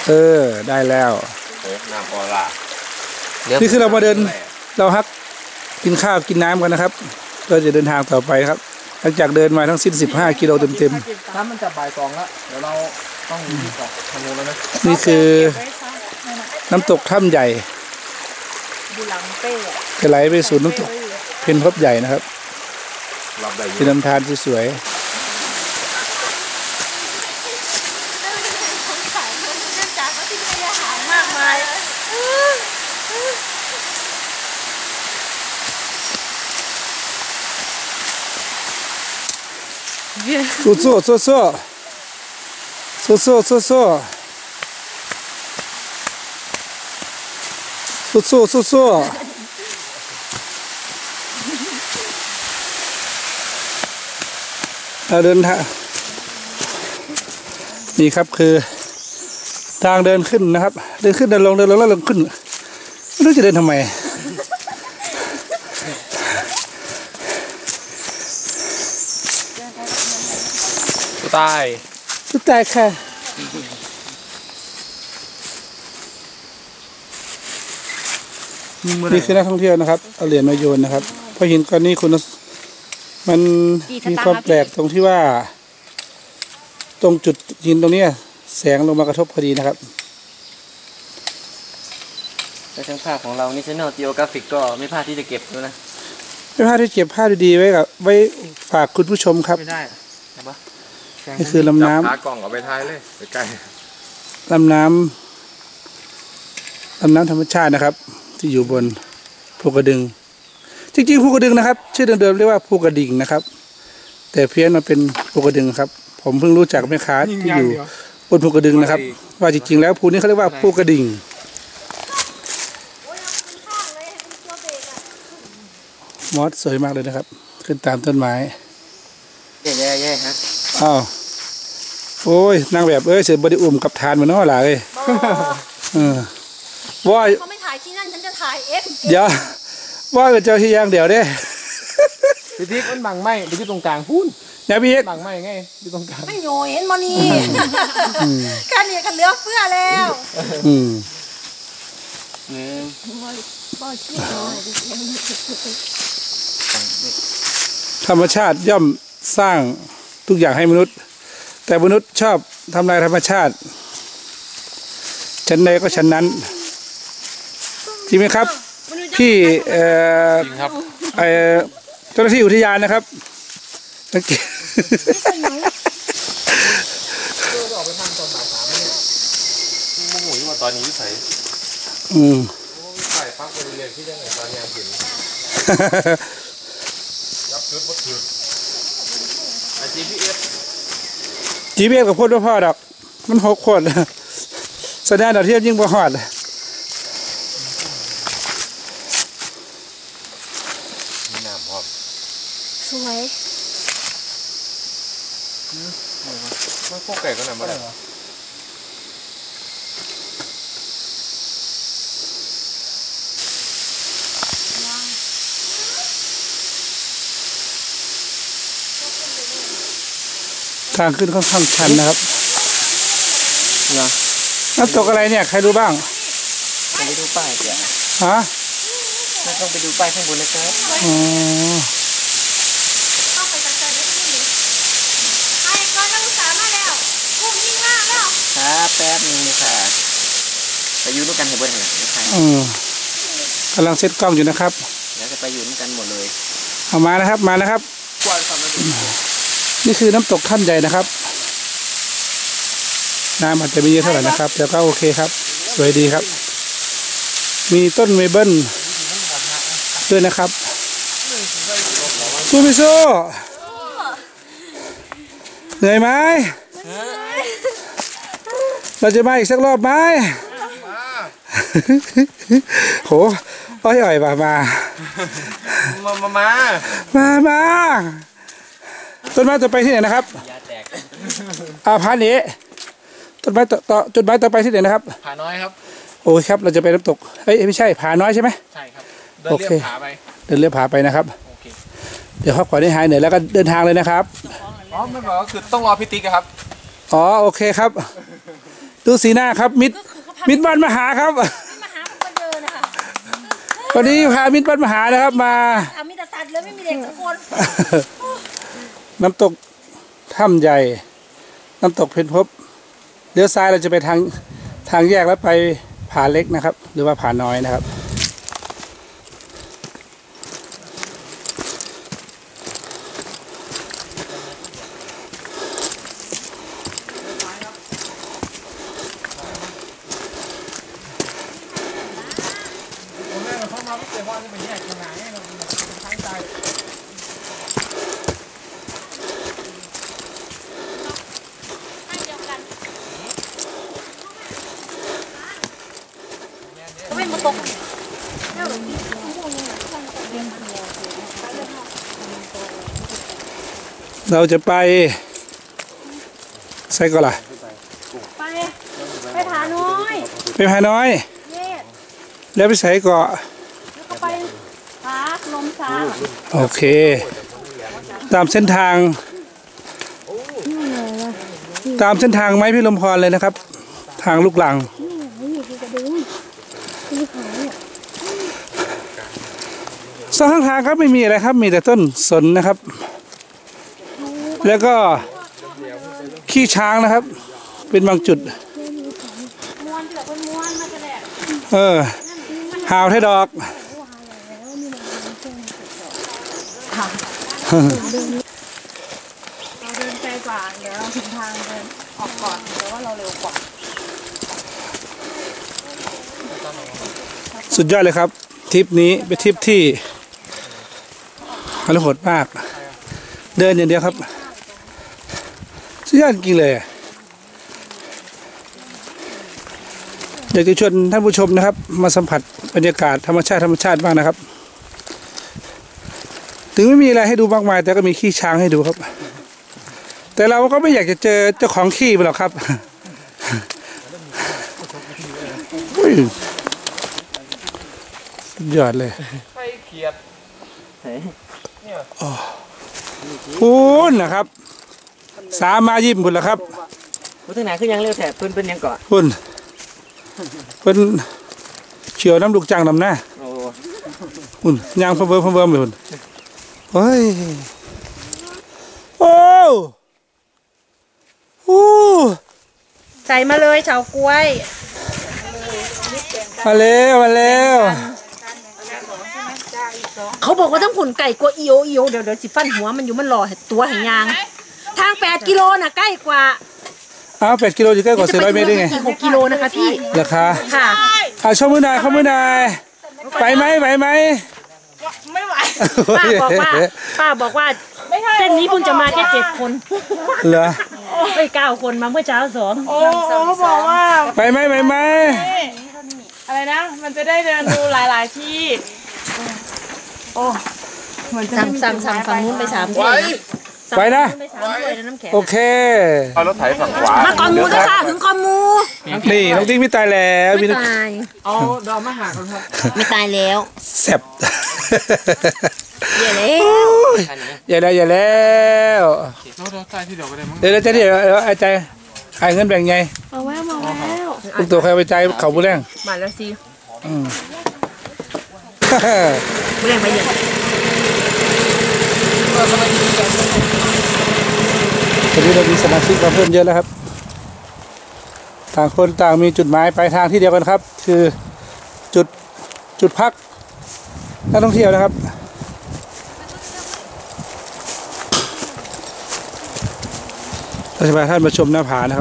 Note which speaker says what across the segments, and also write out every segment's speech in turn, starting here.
Speaker 1: ได้แล้ว
Speaker 2: น้ำออร่า
Speaker 1: นี่คือเรามาเดินเราฮักกินข้าวกินน้ำกันนะครับก็จะเดินทางต่อไปครับหลังจากเดินมาทั้งสิ้น15 กิโลเต็ม
Speaker 3: ๆถ้ามันจะบ่าย2แล้วเดี๋ยวเราต้องอยู่ที่เกาะทางนู้นแล้วนะ
Speaker 1: นี่คือน้ำตกถ้ำใหญ่จะไหลไปสู่น้ำตกเพนพบใหญ่นะครับเป็นลำธารที่สวยสู้สู้สู้สู้สู้สู้สู้สู้สู้สู้สู้สู้เราเดินทางนี่ครับคือทางเดินขึ้นนะครับเดินขึ้นเดินลงเดินลงแล้วลงขึ้นไม่รู้จะเดินทำไม
Speaker 3: ตาย
Speaker 1: ค่ะนี่คือนักท่องเที่ยวนะครับเอาเหรียญมาโยนนะครับเพราะหินก้อนนี้คุณมันมีความแปลกตรงที่ว่าตรงจุดหินตรงนี้แสงลงมากระทบพอดีนะครับ
Speaker 3: แต่ช่างภาพของเรานี่National Geographicก็ไม่พลาดที่จะเก็บด้วยนะ
Speaker 1: ไม่พลาดที่เก็บภาพดีๆไว้ฝากคุณผู้ชมครับ
Speaker 3: ไม่ได้
Speaker 1: นี่คือลำน้ำ
Speaker 2: ขากล่องเอาไปท้ายเลยใกล้
Speaker 1: ลำน้ำธรรมชาตินะครับที่อยู่บนภูกระดึงจริงๆภูกระดึงนะครับชื่อเดิมๆเรียกว่าภูกระดิ่งนะครับแต่เพี้ยนมาเป็นภูกระดึงครับผมเพิ่งรู้จักแม่ค้าที่อยู่บนภูกระดึงนะครับว่าจริงๆแล้วภูนี้เขาเรียกว่าภูกระดิ่งมอสสวยมากเลยนะครับขึ้นตามต้นไม้
Speaker 3: แย่ๆฮะ
Speaker 1: อ้าวโอ้ยนางแบบเสือบไดิอุ่มกับทานมันน้อหล่ะเลยว่า
Speaker 4: เขาไม่ถ่ายที่นั่นฉันจะถ่ายเอฟ
Speaker 1: เดี๋ยวว่าเป็นเจ้าที่ย่างเดี๋ยวเด้
Speaker 3: พี่ติ๊กมันบังไม่ไปที่ตรงกลางพูน
Speaker 1: เนี่ยพี่
Speaker 3: บังไม่ไงที่ตรงกลาง
Speaker 4: ไม่โยเห็นมานี่การเนี่ยกันเลือกเสื้อแล้ว
Speaker 1: ธรรมชาติย่อมสร้างทุกอย่างให้มนุษย์แต่มนุษย์ชอบทำลายธรรมชาติชั้นใดก็ชั้นนั้นจริงไหมครับที่
Speaker 3: จริงครับ
Speaker 1: เจ้าหน้าที่อุทยานนะครับสังเกต
Speaker 3: ออกไปทำตอนบ่าย3เนี่ยโมโหอยู่ว่าตอนนี้ใส่ใส่พักบริเวณที่ยังไงตอนยามหินยับชุดวัดถือ
Speaker 1: GPS กับพ่นว่าพ่อดอกมัน6 คนแสดงดาวเทียมยิ่งบ่ฮอด
Speaker 2: มีน้ำพร้อม
Speaker 4: สวย
Speaker 2: มันพวกไก่ก็ไหนมาได้
Speaker 1: ทางขึ้นค่อนข้างชันนะครับน้ำตกอะไรเนี่ยใครรู้บ้าง
Speaker 3: ต้องไปดูป้ายจ้ะ
Speaker 1: ฮะ
Speaker 3: ไม่ต้องไปดูป้ายข้างบนนะครับ
Speaker 4: เข้าไปจัดการได้ที่นี่ไอ้ก้อนนักศึกษามาแล้วกุ้งยิ่งมากแล้ว
Speaker 3: ครับแป๊บนึงค่ะไปอยู่ด้วยกันเห็นบ่ได้นะครับ
Speaker 1: กำลังเซตกล้องอยู่นะครับ
Speaker 3: เดี๋ยวจะไปอยู่ด้วยกันหมดเลย
Speaker 1: เอามานะครับมานะครับนี่คือน้ำตกถ้ำใหญ่นะครับน้ำอาจจะไม่เยอะเท่าไหร่นะครับแต่ก็โอเคครับสวยดีครับมีต้นเมเปิลด้วยนะครับสู้ไม่สู้เหนื่อยไหมเราจะมาอีกสักรอบไหมโหอ่อยมาต้นไม้ต่อไปที่ไหนนะครับผาเหนือต้นไม้ต้นไม้ต่อไปที่ไหนนะครับ
Speaker 3: ผาน้อยครับ
Speaker 1: โอ้ยครับเราจะไปน้ำตกไม่ใช่ผาน้อยใช่ไหม
Speaker 3: ใช่ครับเดินเลียบผาไป
Speaker 1: เดินเลียบผาไปนะครับเดี๋ยวพักผ่อนให้หายเหนื่อยแล้วก็เดินทางเลยนะครับ
Speaker 3: ไม่บอกก็คือต้องรอพี่ติ๊กครับ
Speaker 1: โอเคครับดูสีหน้าครับ มิตรบ้านมหาครับ
Speaker 4: มาหาคนเดินนะคะ
Speaker 1: วันนี้พามิตรบ้านมหานะครับมา
Speaker 4: มีแต่สัตว์เลยไม่มีเด็กสักคน
Speaker 1: น้ำตกถ้ำใหญ่ น้ำตกเพชรพบเลี้ยวซ้ายเราจะไปทางแยกแล้วไปผาเล็กนะครับ หรือว่าผาน้อยนะครับ
Speaker 4: ไม่มาตก
Speaker 1: เราจะไปใส่ก่อนล่ะ
Speaker 4: ไปผาน้อย
Speaker 1: ไปผาน้อย
Speaker 4: เย็ด
Speaker 1: แล้วไปใส่เกาะ
Speaker 4: แล้วก็ไปผาลมซาง
Speaker 1: โอเค ตามเส้นทาง ไม้พิรมพรเลยนะครับ ทางลูกหลังสองข้างทางครับไม่มีอะไรครับ มีแต่ต้นสนนะครับ แล้วก็ขี้ช้างนะครับ เป็นบางจุด
Speaker 4: ม้วนเดือดเป็นม้วนมาจะแดด
Speaker 1: หาวไทยดอก
Speaker 4: เราเดินไกลกว่าเดี๋ยวเราถึงทางเดินออกก่อนเดี๋ยวว่าเราเร็วกว่า
Speaker 1: สุดยอดเลยครับทริปนี้เป็นทริปที่อร่อยโหดมาก เดินอย่างเดียวครับสุดยอดจริงเลยอยากจะชวนท่านผู้ชมนะครับ มาสัมผัสบรรยากาศธรรมชาติบ้างนะครับ ถึงไม่มีอะไรให้ดูมากมาย แต่ก็มีขี้ช้างให้ดูครับ แต่เราก็ไม่อยากจะเจอเจ้าของขี้ไปหรอกครับอุ้ยสุดยอดเลย
Speaker 3: ไข่เขียด
Speaker 1: พูนนะครับ สามายิ้มพุ่นละครับ
Speaker 5: พูดถึงไหนคือยังเร็วแถบเพิ่นเป็นยังเกาะ
Speaker 1: พุ่นเพิ่นเฉียวน้ำลูกจังนำหน้า
Speaker 5: โอ้
Speaker 1: พุ่นยางเพิ่มเลยพุ่นเฮ้ยโอ้โอ้
Speaker 4: ใส่มาเลยเฉากล้วย
Speaker 1: มาแล้ว
Speaker 4: เขาบอกว่าต้องผุนไก่กว่าอีโอเดี๋ยวสิฟันหัวมันอยู่มันรอตัวแห่งยางทาง8 กิโลน่ะใกล้กว่า
Speaker 1: อ้าว8 กิโลอยู่ใกล้กว่า400 เมตรได้ไง
Speaker 4: 6 กิโลนะคะพี่
Speaker 1: ราคา
Speaker 4: ค่ะ
Speaker 1: ชมมือหน่อยเข้ามือหน่อยไปไหม
Speaker 4: ไม่ไหวป้าบอกว่าเส้นนี้เพิ่งจะมาแค่7 คน
Speaker 1: เหรอ
Speaker 4: ไป9 คนมาเมื่อเช้า2
Speaker 6: โอ้บอกว่า
Speaker 1: ไปไหม
Speaker 6: อะไรนะ มันจะได้เดินดูหลาย ๆ ที่ โอ้เหมือนจะไม่มี
Speaker 4: สั่งฝั่งนู้นไป3 ถ้วย
Speaker 1: ไปนะ
Speaker 4: ไป3 ถ้วยแล้วน้ำแข็ง
Speaker 1: โอเค
Speaker 2: เอารถไถฝั่งขวา
Speaker 4: มาก่อนมูนะคะถึงก่อนมู
Speaker 1: นี่น้องติ๊กไม่ตายแล้วมี
Speaker 4: ไม่
Speaker 1: น้อง
Speaker 4: ตาย
Speaker 6: เอาดอกมะหากันครับ
Speaker 4: ไม่ตายแล้ว
Speaker 1: แซ่บ
Speaker 4: อย่าเลย
Speaker 1: อย่าแล้ว
Speaker 3: เราใส่ที่เดียวก็ได้มั้ง
Speaker 1: เดี๋ยวจะไอ้ใจไอ้เงินแบ่งไง
Speaker 4: มาแล้ว
Speaker 1: ลูกตัวใครไปใจเขาบุแรง
Speaker 4: มาแล้วสิ
Speaker 1: อืม
Speaker 4: บุเรงไปเยอะ
Speaker 1: ตอนนี้เรามีสมาชิกมาเพิ่มเยอะแล้วครับ ต่างคนต่างมีจุดหมายปลายทางที่เดียวกันครับ คือจุดพักนักท่องเที่ยวนะครับเราจะพาท่านมาชมหน้าผานะครับ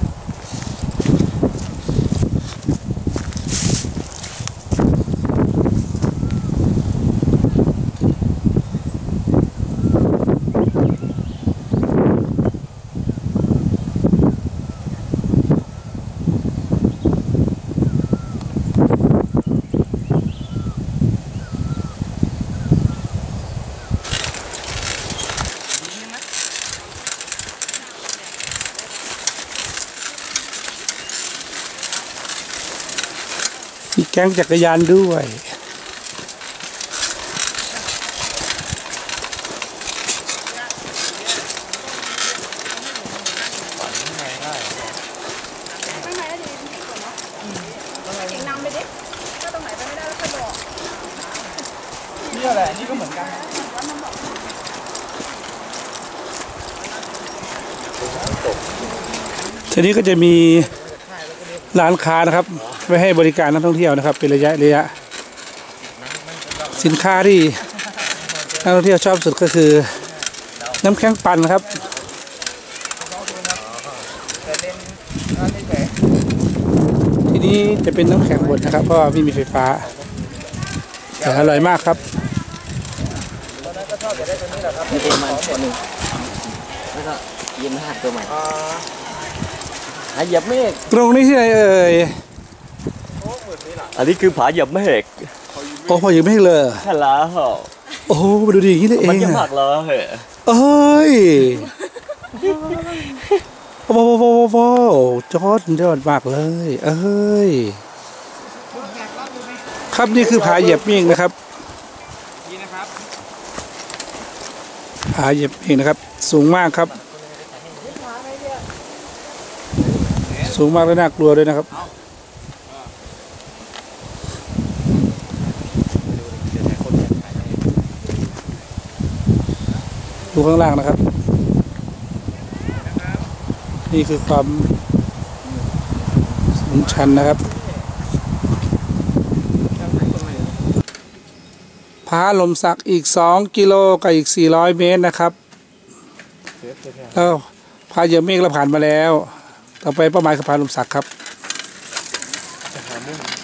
Speaker 1: มีแก๊งจักรยานด้วยทีนี้ก็จะมีร้านค้านะครับไว้ให้บริการนักท่องเที่ยวนะครับ เป็นระยะสินค้าที่นักท่องเที่ยวชอบสุดก็คือน้ำแข็งปั่นครับทีนี้จะเป็นน้ำแข็งบดนะครับเพราะว่าไม่มีไฟฟ้าแต่อร่อยมากครับ
Speaker 5: มีประมาณคนหนึ่งแล้วก็ยินห้าตัวใหม่หาเหยียบเมฆ
Speaker 1: ตรงนี้ที่ไหนเอ่ย
Speaker 7: อันนี้คือผาเหยียบเมฆ
Speaker 1: โอ้พออยู่ไม่เลย
Speaker 7: แค่ละเหรอ
Speaker 1: โอ้โหมาดูดิอย่างนี้เลยเอ
Speaker 7: มัน
Speaker 1: ง
Speaker 7: จะหมั
Speaker 1: อะ
Speaker 7: กเหรอเหรอ
Speaker 1: เอ้ยว้าวจอดมากเลย เอ้ยครับนี่คือผาเหยียบเมฆนะครับผาเหยียบเมฆนะครับ สูงมากครับ สูงมากและน่ากลัวด้วยนะครับดูข้างล่างนะครับ นี่คือความสูงชันนะครับผาลมสักอีก2 กิโลกับอีก400 เมตรนะครับแล้วผาเหยียบเมฆเราผ่านมาแล้วต่อไปเป้าหมายคือผาลมสักครับ